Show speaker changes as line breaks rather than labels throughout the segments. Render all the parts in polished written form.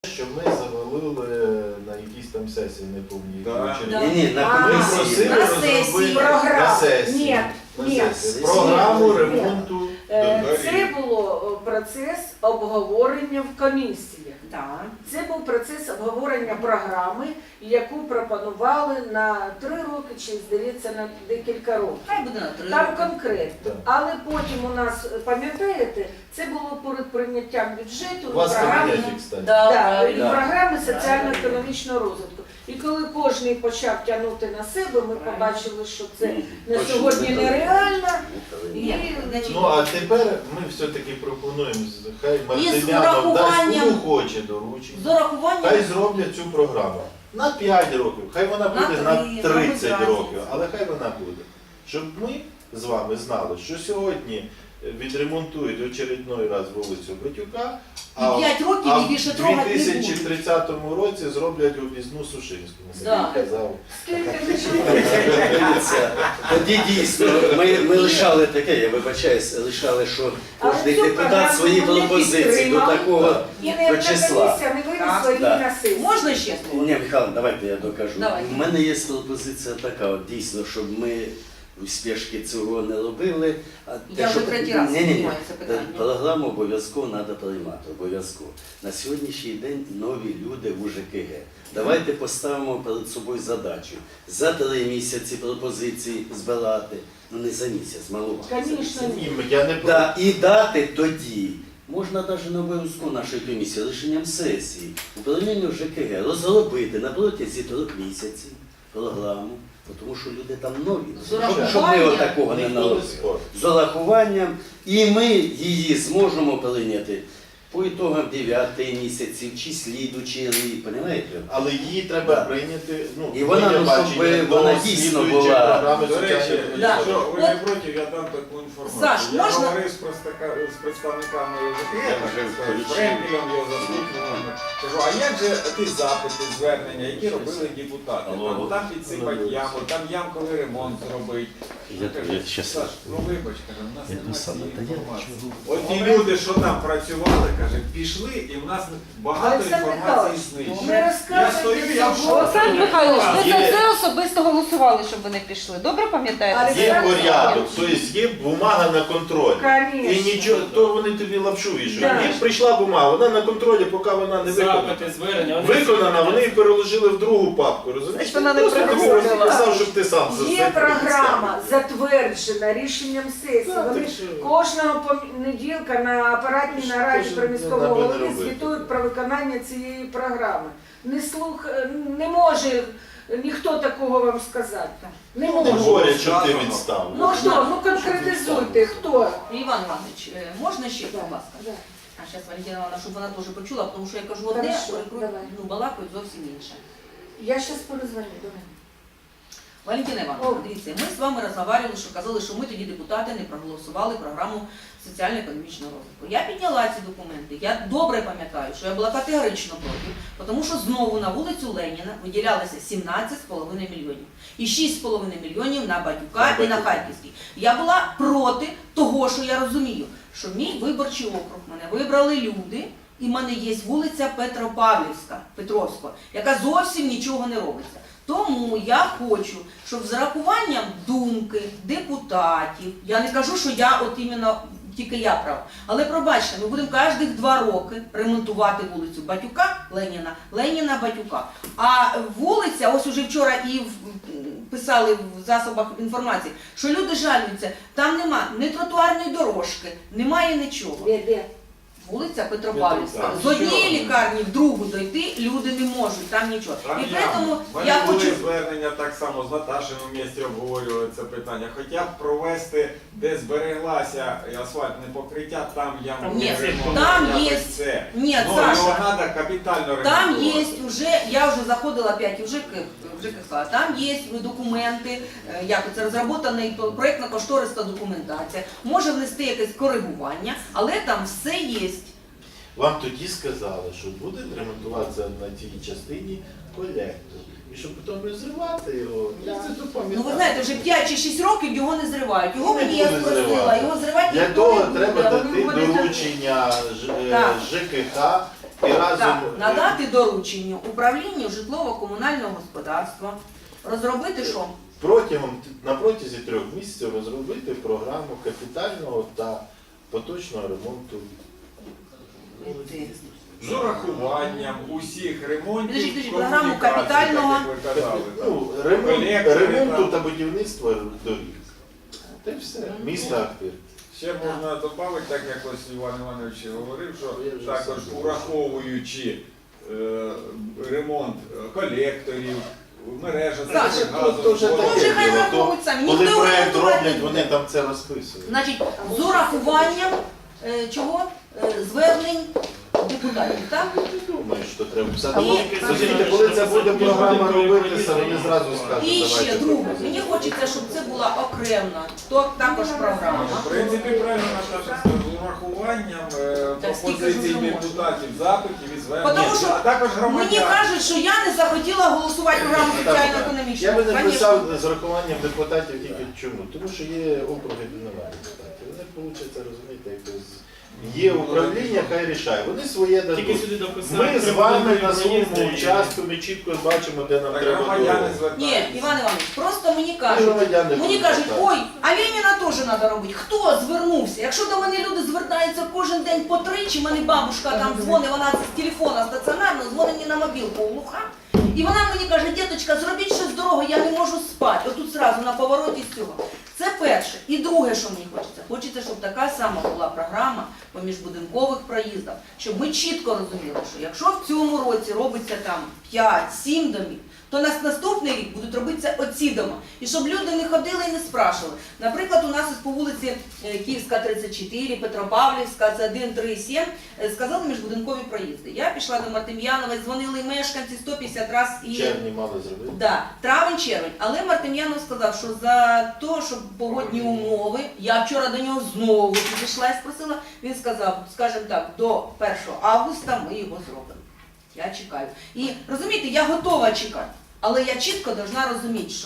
Що ми завалили на якісь там сесії, не пам'ятаю.
Ні, на комісії.
Ми просили розробити на сесії. Програму ремонту доріг.
Це було процес обговорення в комісіях. Це був процес обговорення програми, яку пропонували на 3 роки, чи, здається, на декілька років.
Хай буде на 3
Там
роки.
конкретно. Але потім у нас, пам'ятаєте, це було перед прийняттям бюджету
У вас
програми,
кабінеті, кстати.
і програми соціально-економічного розвитку. І коли кожен почав тягнути на себе, ми побачили, що це на сьогодні нереально. І,
Ну, а тепер ми все-таки пропонуємо, хай
з
Мартинянов дасть
урахуванням-
кому хоче доручення.
З урахуванням
Хай зроблять цю програму на 5 років, хай вона буде на 30 років, але хай вона буде. Щоб ми з вами знали, що сьогодні відремонтують очередной раз вулицю Батюка, а
5 років і більше
в
трогати не будуть.
2030 році зроблять об'їзну Сушинську.
Да.
Казав.
скільки ми живемо.
Дивіться, тоді дійсно, ми лишали таке, я вибачаюсь, лишали, що
Але
кожен
цю
депутат
програму
свої
не
пропозиції до
підтримали.
такого
І не
до числа.
комісія не винесла її
Так.
на сесію.
Можна ще слово?
Ні, Михайло, давайте я докажу.
Давай.
У мене є пропозиція така, от дійсно, щоб ми у спешки цього не робили. А
Я вже третій раз
Ні-ні-ні.
піднімаю це питання.
Програму обов'язково треба приймати, обов'язково. На сьогоднішній день нові люди в УЖКГ. Давайте поставимо перед собою задачу. За 3 місяці пропозиції збирати, ну не за місяць, малувати.
Звісно,
Ні, я не проти.
Да, і дати тоді, можна навіть не обов'язково нашої комісії, рішенням сесії, управлінню ЖКГ розробити на протязі 3 місяців програму, тому що люди там нові,
З урахуванням.
щоб ми отакого не
Ніхто не
наробили.
спорить.
З урахуванням, і ми її зможемо прийняти по ітогам 9 місяців чи слідучий рік, розумієте?
Але її треба прийняти, ну,
І вона,
моє
ну,
бачення,
щоб
до
вона дійсно
слідуючої
була.
програми
До речі,
соціальної
Да.
якщо ви не
От-
проти, я дам таку інформацію.
Саш,
Я
можна?
говорив з представниками ЖКГ, Френкелем його заступником. Кажу, а як же ті запити, звернення, які робили депутати? Там підсипать яму, там ямковий ремонт зробить. Кажу, Саш, ну вибач, каже, у нас немає цієї інформації. От ті люди, що там працювали, каже, пішли, і в нас багато
Олександр
інформації
Михайлович,
знищено.
ви
Я
розказуєте
стою, я в
цього.
шоці.
Олександр Михайлович, ви
Є.
за це особисто голосували, щоб вони пішли. Добре пам'ятаєте?
Є порядок, тобто є бумага на контроль. І
Конечно.
нічого, то вони тобі лапшу вішають.
Да.
Їм прийшла бумага, вона на контролі, поки вона не виконана.
Запити, звернення.
Виконана, вони її переложили в другу папку, розумієш?
Значить, вона не
Просто
приходила.
такого написав, щоб ти сам за
Є
це
програма, затверджена рішенням сесії.
Так,
Вони
так що-
кожного понеділка на апаратній нараді
Що
при
ж
міському
нам не
голові
робити?
звітують про виконання цієї програми. Не може ніхто такого вам сказати. Не
Не
може.
говорять, щоб ти відстав.
Ну хто? Ну конкретизуйте, хто?
Іван Іванович, можна ще, будь ласка?
Да.
А зараз Валентина Івановна, щоб вона теж почула, тому що я кажу одне,
Хорошо,
прикрут-
давай.
ну, балакають зовсім інше.
Я зараз перезвоню до мене.
Валентина Івановна, дивіться, ми з вами розмовляли, що казали, що ми тоді депутати не проголосували програму соціально-економічного розвитку. Я підняла ці документи, я добре пам'ятаю, що я була категорично проти, тому що знову на вулицю Леніна виділялося 17,5 мільйонів. І 6,5 мільйонів на Батюка і на Харківський. Я була проти того, що я розумію, що мій виборчий округ, мене вибрали люди, і в мене є вулиця Петровська, яка зовсім нічого не робиться. Тому я хочу, щоб з рахуванням думки депутатів, я не кажу, що я от іменно тільки я права, але пробачте, ми будемо кожні 2 роки ремонтувати вулицю Батюка, Леніна, Батюка. А вулиця, ось уже вчора і писали в засобах інформації, що люди жалюються, там нема ні тротуарної дорожки, немає нічого.
Де?
Вулиця Петропавлівська.
Так,
З однієї лікарні в другу дойти люди не можуть, там нічого.
Там
І
яма.
тому
В мене
я
були
хочу...
звернення так само з Наташею в місті обговорювали це питання. Хоча б провести, де збереглася асфальтне покриття, там ямковий
Ні,
ремонт.
там
якось
є-
це.
Ні,
Ну,
Саша,
його треба капітально
там
ремонтувати.
є вже, я вже заходила опять в ЖКХ, там є документи, як це розроблена проєктно-кошторисна документація, може внести якесь коригування, але там все є.
Вам тоді сказали, що буде ремонтуватися на тій частині колектор. І щоб потім розривати його,
Да.
це
Ну
допам'ятати.
ви знаєте, вже 5 чи 6 років його не зривають. Його
Не
мені я
буде
спросила,
зривати.
його зривати
Для
ніхто
того
не буде.
треба
Вони
дати
говорять,
доручення
Так.
ЖКХ і разом
Так, надати доручення управлінню житлово-комунального господарства розробити що?
на протязі 3 місяців розробити програму капітального та поточного ремонту.
З урахуванням усіх ремонтів,
Підождіть, програму
комунікацій,
капітального.
так, як ви казали.
Ну,
Колектори
ремонту
там.
та будівництва доріг. Та й все. Місто Ахтир.
Ще можна додати, так як ось Іван Іванович говорив, що також ураховуючи ремонт колекторів, мережа
Так,
то вже
газу,
таке
Може, хай
діло.
враховують самі.
Коли
Ніхто
проект
орієнтувати
роблять,
не
вони
буде.
там це розписують.
Значить, з урахуванням чого? Звернень депутатів, так?
Не думаю, що треба писати.
Тому,
Розумієте, коли це буде програма робитися, вони зразу скажуть,
І ще
давайте
друге,
пропозицію.
мені хочеться, щоб це була окремна, то також програма.
В принципі, правильно Наташа сказала, з урахуванням
Так, скільки ж
пропозицій
вже можна?
депутатів, запитів і звернень,
Потому що
а також
Мені
громадян.
кажуть, що я не захотіла голосувати програму
Я
соціально-економічну.
би не
Конечно.
писав з урахуванням депутатів тільки чому? Тому що є округи, де немає депутатів. Вони, виходить, розумієте, якось є управління, хай рішає. Вони своє
Тільки
дадуть.
сюди дописали.
Ми з вами на своєму участку, ми чітко бачимо, де нам
Так
треба
громадяни
дорогу.
звертаються.
Ні, Іван Іванович, просто мені
Ми
кажуть,
громадяни
мені
будемо
кажуть,
звертатися.
ой, а Леніна теж треба робити. Хто звернувся? Якщо до мене люди звертаються кожен день по 3, чи мене бабушка там дзвонить, вона з телефона стаціонарного, дзвонить мені на мобілку глуха. І вона мені каже, діточка, зробіть щось дорого, я не можу спати. Отут зразу на повороті з цього. Це перше. І друге, що мені хочеться. Хочеться, щоб така сама була програма по міжбудинкових проїздах, щоб ми чітко розуміли, що якщо в цьому році робиться там 5-7 домів, то на наступний рік будуть робитися оці дома. І щоб люди не ходили і не спрашували. Наприклад, у нас ось по вулиці Київська, 34, Петропавлівська, це 1, 3, 7, сказали міжбудинкові проїзди. Я пішла до Мартем'янова, дзвонили мешканці 150 разів і...
Червні мали зробити.
Да, травень-червень. Але Мартем'янов сказав, що за те, що погодні умови, я вчора до нього знову підійшла і спросила, він сказав, скажімо так, до 1 августа ми його зробимо. Я чекаю. І розумієте, я готова чекати, але я чітко повинна розуміти, що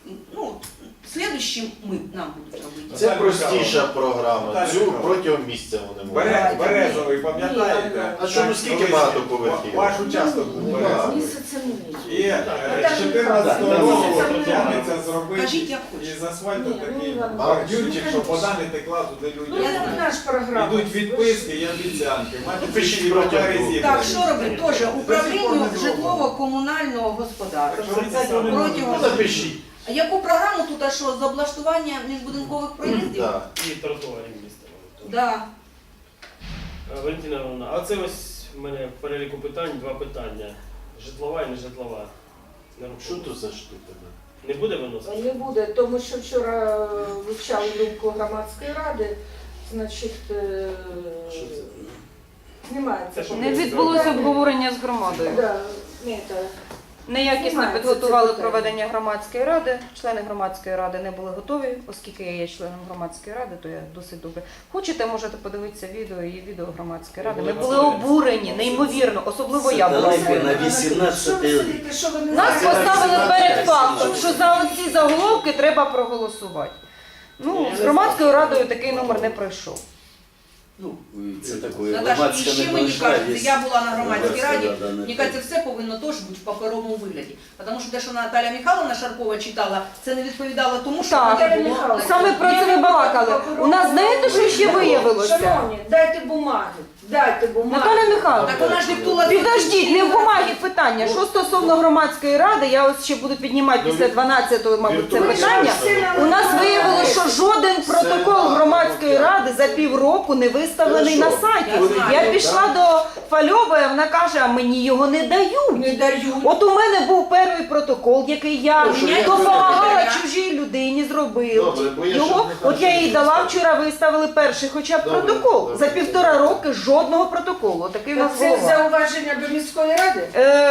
слідуючим ми нам будуть робити.
Це простіша програма.
Наталя
Цю
Михайлівна.
протягом місяця вони можуть.
Березовий, пам'ятаєте?
А що, ну скільки багатоповерхів?
Ваш участок був березовий.
Місяця не
І з 14 року тягнеться зробити
Кажіть, як хочете.
із асфальту
Ні,
такий
ну, Іван
бордюрчик,
Іванович,
щоб вода не текла туди
Ну,
людям.
це наш програма.
Ідуть відписки і обіцянки. Мати
Пишіть
всі
протягом
папери
року.
зібрані.
Так, що робити? Теж
До сих пор
управлінню
не зроблено.
житлово-комунального господарства.
Ну,
Протягом
напишіть.
А яку програму тут, а що, з облаштування міжбудинкових проїздів?
Так.
І тротуарів міста.
Да.
Валентина Івановна, а це ось в мене в переліку питань 2 питання. Житлова і нежитлова.
Що тут за штука?
Не буде виносити?
Не буде, тому що вчора вивчали думку громадської ради, значить,
Що це?
знімається.
Це що,
Не відбулося обговорення з громадою.
Да, ні, так.
Неякісно
Знімається
підготували
це питання.
проведення громадської ради. Члени громадської ради не були готові, оскільки я є членом громадської ради, то я досить добре. Хочете, можете подивитися відео і відео громадської ради. Ми були обурені, неймовірно, особливо я була.
Сателайки на 18
Що ви сидите, що ви не
Нас
знаєте?
поставили перед фактом, що за оці заголовки треба проголосувати. Ну, з громадською радою такий номер не пройшов.
Ну, це таке
Наташа, і
громадська
ще мені
непрожна,
кажеться, я була на громадській
громадська
раді,
рада, не
мені кажеться, все повинно теж бути в паперовому вигляді. Тому що те, що Наталя Михайловна Шаркова читала, це не відповідало тому, що
Так.
вона
Наталя
було...
Михайлівна,
Саме про це ми балакали. У нас знаєте, що ще виявилося?
Шановні, дайте бумаги, дайте бумаги.
Наталя Михайловна,
Так вона ж диктула...
підождіть, не в бумагі питання. Що стосовно громадської ради, я ось ще буду піднімати після 12-го, мабуть, це питання. У нас виявилося, що жоден протокол громадської ради за півроку не виставлений на сайті. Я пішла до Фальової, вона каже, а мені його не дають.
Не дають.
От у мене був перший протокол, який я
Ну, що я
допомагала
зробила?
чужій людині зробити.
Добре, бо я
Його,
щоб не
от я їй
бачив.
дала вчора, виставили перший хоча б
Добре,
протокол.
добре.
За 1,5 роки жодного протоколу. Такий у нас
Це
голова.
зауваження до міської ради?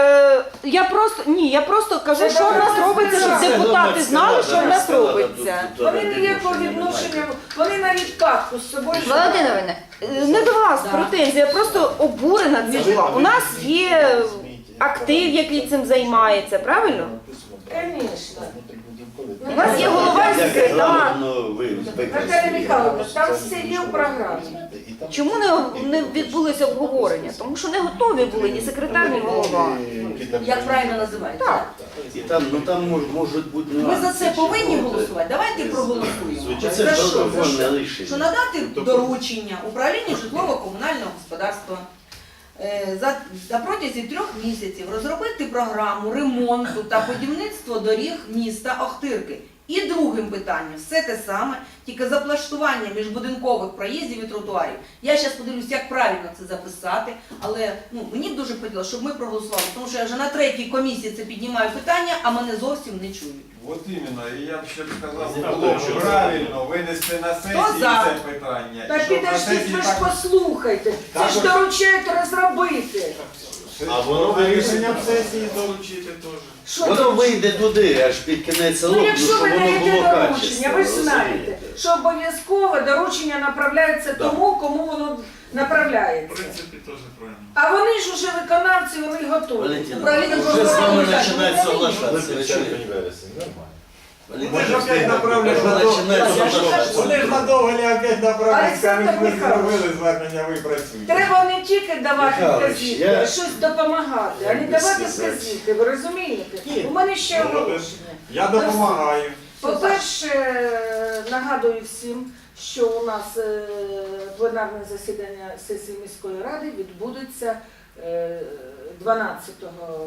Я просто кажу,
Це
що в нас
добре.
робиться, щоб
Це
депутати знали, що в нас
Громадська рада,
робиться.
тут
Вони
відношення
ніякого
немає.
відношення, вони навіть картку з собою.
Володимировна, не до вас
Да.
претензія, я просто обурена цим. У нас є актив, який цим займається, правильно?
Звісно.
У нас є голова і
Як
секретар.
регламентно ви
Наталя Михайловна, там все є в програмі.
І там
Чому не відбулося обговорення? Тому що не готові були ні секретар, ні голова.
Як правильно називається?
Так.
І там можуть бути
Ми
нюанси.
за це повинні голосувати. Давайте проголосуємо.
Звичайно.
Це ж
За що?
протокольне
Що
рішення.
надати доручення управлінню житлово-комунального господарства на протязі 3 місяців розробити програму ремонту та будівництва доріг міста Охтирки. І другим питанням все те саме, тільки заплаштування міжбудинкових проїздів і тротуарів. Я зараз подивлюсь, як правильно це записати, але мені б дуже хотілося, щоб ми проголосували, тому що я вже на 3-й комісії це піднімаю питання, а мене зовсім не чують.
От іменно, і я б ще б сказав,
Ставте,
було б
що
правильно винести на сесію
за?
це питання.
Так
І щоб на
підождіть,
сесії
ви ж
так-
послухайте. Це ж доручають розробити.
А воно
рішенням сесії доручити теж.
Що
Воно
доручити?
вийде туди, аж під кінець року,
Ну, якщо
щоб
ви
воно
даєте
було
доручення,
качественно.
ви ж знаєте,
розумієте?
що обов'язково доручення направляється
Да.
тому, кому воно направляється.
теж правильно.
А вони ж уже виконавці, вони готові.
Валентина,
Управління
вже з вами
житлово-комунального
починають соглашатися. ви чуєте?
Червень, вересень, нормально.
Вони ж опять направлять
Вже
на
починають
Я ж
соглашатися.
кажу.
Вони ж надовго не опять направлять,
Олександр
скажуть, ви
Михайлович.
зробили звернення, ви працюєте.
Треба не тільки давати
Михайлович,
вказівки,
я-
а щось допомагати, а не
Як би
давати
сказати?
вказівки, ви розумієте?
Ні.
У мене ще
Ну,
оголошення.
Я допомагаю.
По-перше, нагадую всім, що у нас пленарне засідання сесії міської ради відбудеться 12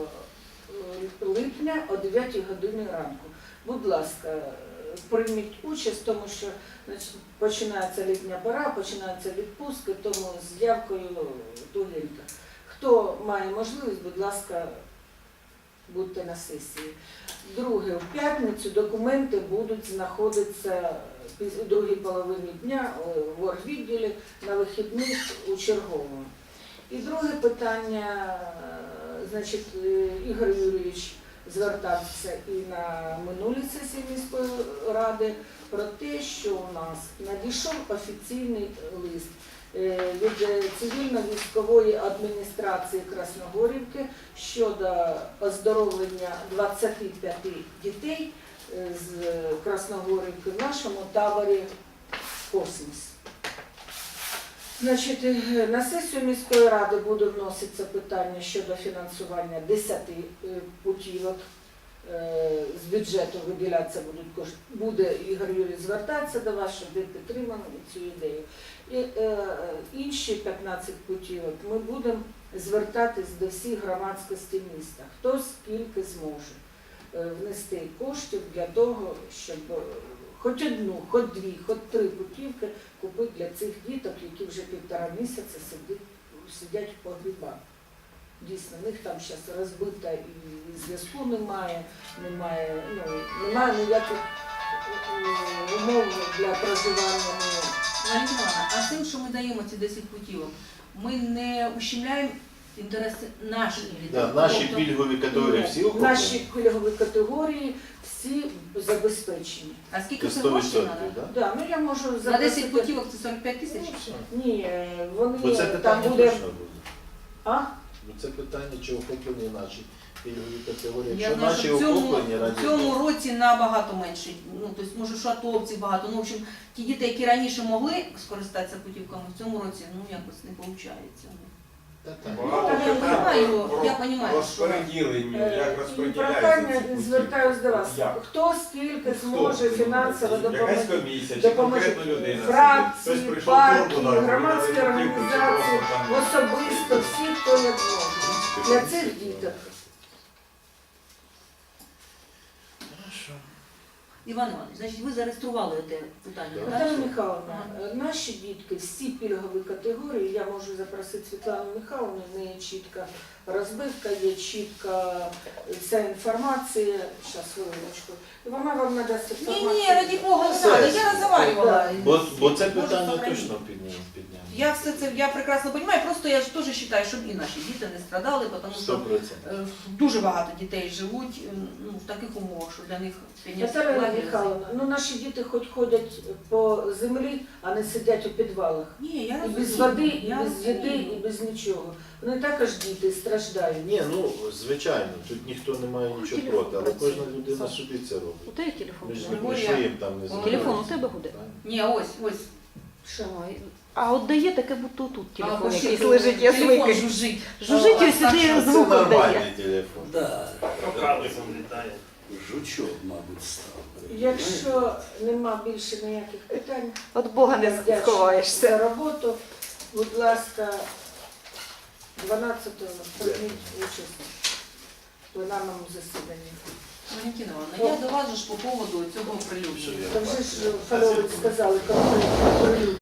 липня о 9 годині ранку. Будь ласка, прийміть участь, тому що починається літня пора, починаються відпустки, тому з явкою тугенько. Хто має можливість, будь ласка, будьте на сесії. Друге, в п'ятницю документи будуть знаходитися у другій половині дня в оргвідділі на вихідних у черговому. І друге питання, значить, Ігор Юрійович звертався і на минулій сесії міської ради про те, що у нас надійшов офіційний лист від цивільно-військової адміністрації Красногорівки щодо оздоровлення 25 дітей з Красногорівки в нашому таборі «Космос». Значить, на сесію міської ради буде вноситися питання щодо фінансування 10 путівок. З бюджету виділятися будуть кошти. Буде Ігор Юрій звертатися до вас, щоб ви підтримали цю ідею. І інші 15 путівок ми будемо звертатись до всіх громадськості міста. Хто скільки зможе внести коштів для того, щоб хоч одну, хоч дві, хоч 3 путівки купити для цих діток, які вже 1,5 місяця сидять в погрібах. Дійсно, в них там зараз розбита і зв'язку немає ніяких умов для проживання.
Валентина Івановна, а тим, що ми даємо ці 10 путівок, ми не ущемляємо інтереси наших дітей?
Да, наші
Тобто,
пільгові категорії всі охоплені?
Наші пільгові категорії всі забезпечені.
А скільки це
100%,
грошей треба?
да?
Да, ну я можу
На
запросити-
10 путівок це 45 тисяч?
Ні, вони
Бо це
там
питання
буде.
точно буде.
А?
Бо це питання, чи охоплені наші пільгові категорії.
Я
Якщо
знаю,
наші
що
охоплені,
в
раді
цьому
Бога.
році набагато менше. Ну, тобто, може, що атовців багато. Ну, в общем, ті діти, які раніше могли скористатися путівками, в цьому році, ну, якось не виходить.
Та так.
Багато
я
питань
понимаю,
про
я понимаю, що-
розподілення, як
І
розподіляються
прохання
ці
звертаюсь до вас.
Як?
Хто скільки
Хто?
зможе фінансово
Якась
допомогти?
комісія, чи
Допоможе
конкретна людина.
фракції,
Хтось прийшов
партії,
турбу, да,
громадські
видали путівку, чи
організації,
просто там-
особисто всі, хто як може. Для цих діток.
Хорошо.
Іван Іванович, значить, ви зареєстрували те питання,
Так.
так?
Наталя Михайловна, наші дітки, всі пільгові категорії, я можу запросити Світлану Михайловну, в неї чітка розбивка, є чітка вся інформація. Зараз, хвилиночку. І вона вам надасть інформацію.
Ні, раді Бога, не треба, я розговаривала.
Бо це
Можу
питання
сохранити.
точно підняли.
Я все це, я прекрасно розумію, просто я ж теж вважаю, щоб і наші діти не страдали, тому що
100%.
дуже багато дітей живуть в таких умовах, що для них підняття
Наталя
лагеря-
Михайловна, ну наші діти хоч ходять по землі, а не сидять у підвалах.
Ні, я
І
розумію.
без води, і
я
без їди,
розумію.
і без нічого. Вони також діти страждають.
Ні, ну звичайно, тут ніхто не має нічого
Телефон
проти, але
працює.
кожна людина
Саша.
собі це
У
робить.
тебе телефон?
Ми ж
Григорія,
нічого їм там не
Телефон у тебе буде?
Ні, ось.
Що?
Ой, А от дає таке, будто тут телефон
А,
якийсь
що,
лежить, я
телефон
звикаю.
жужжить.
Жужжить і
Так,
сюди
що
Це
звук дає.
нормальний телефон.
Да.
Кокалисом літає.
Жучок, мабуть, став.
Якщо нема більше ніяких питань,
От Бога
я
не
вдячна
сховаєшся.
за роботу. Будь ласка, 12-го прийміть участь в пленарному засіданні.
Валентина Івановна, я до вас же ж по поводу цього прилюднення.
Там же ж Фальович сказали, конкретно прилюдно.